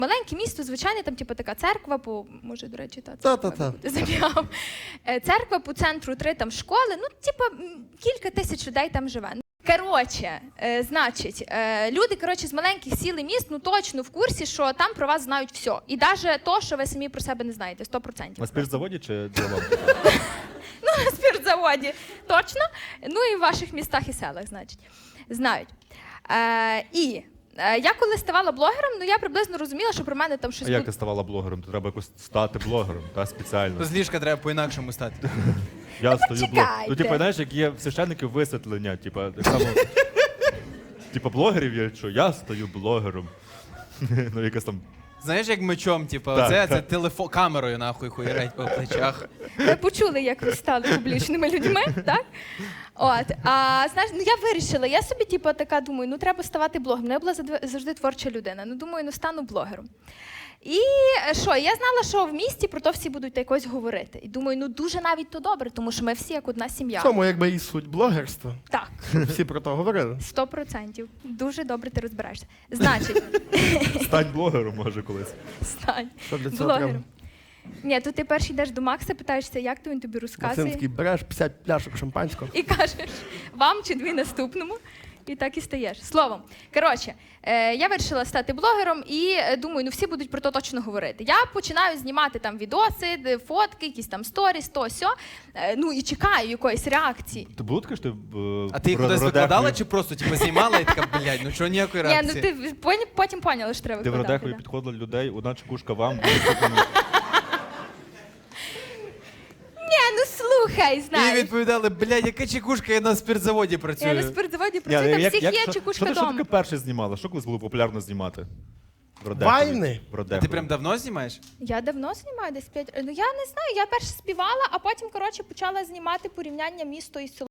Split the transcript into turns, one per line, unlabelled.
Маленьке місто, звичайно, там типу така церква, може, до речі,
Та-та-та.
забігав. Церква по центру, 3 там школи, ну, типу, кілька тисяч людей там живе. Коротше, значить, люди, коротше, з маленьких сіл і міст, ну, точно в курсі, що там про вас знають все. І навіть то, що ви самі про себе не знаєте, 100%.
На спиртзаводі чи ділом?
Ну, на спиртзаводі, точно. Ну, і в ваших містах і селах, значить, знають. Я коли ставала блогером, ну я приблизно розуміла, що про мене там щось
А як ти ставала блогером? То треба якось стати блогером, та спеціально.
З ліжка треба по-інакшому стати.
Я стою блогером.
почекайте.
Ну, типу, знаєш, як є в священників висвітлення, типу, так само, типу, блогерів є, що я стаю блогером. Ну, якась там.
Знаєш, як мечом, типу,
Так,
це телефон, камерою нахуй хуярять по плечах.
Ви почули, як ви стали публічними людьми, так? От, знаєш, ну я вирішила, я собі, типу, така думаю, ну треба ставати блогером. Ну, я була завжди творча людина, ну думаю, ну стану блогером. І що, я знала, що в місті про то всі будуть якось говорити. І думаю, ну дуже навіть то добре, тому що ми всі як одна сім'я.
В цьому якби і суть блогерства.
Так,
Всі про то говорили.
100%. Дуже добре ти розбираєшся. Значить,
Стань блогером, може, колись.
стань
Що для цього
блогером.
треба?
Ні, то ти перший йдеш до Макса, питаєшся, як то він тобі розказує.
Максимський, береш 50 пляшок шампанського.
І кажеш, вам чи дві наступному. І так і стаєш. Словом, коротше, я вирішила стати блогером і думаю, ну всі будуть про то точно говорити. Я починаю знімати там відоси, фотки, якісь там сторіс, то сьо. Ну і чекаю якоїсь реакції.
Ти було таке, що ти
А ти їх
про
кудись
Родеху-
викладала чи просто типу, знімала і така, блядь, ну чого ніякої
Ні,
реакції?
ну ти потім поняла, що треба
Ти в
викладати.
Родехові
Да.
підходила людей, одна чекушка вам,
Ні, ну слухай,
І
знаєш.
відповідали, блядь, яка чекушка, я на спиртзаводі
Я на
працюю.
спиртзаводі працюю, там всіх є
що
чекушка
ти
дома.
таке перше знімала? Що колись було популярно знімати? В Родехові.
Вайни?
В
А
Родехові.
ти прям давно знімаєш?
Я давно знімаю, десь 5 років. Ну я не знаю, я перше співала, а потім, коротше, почала знімати порівняння місто і село.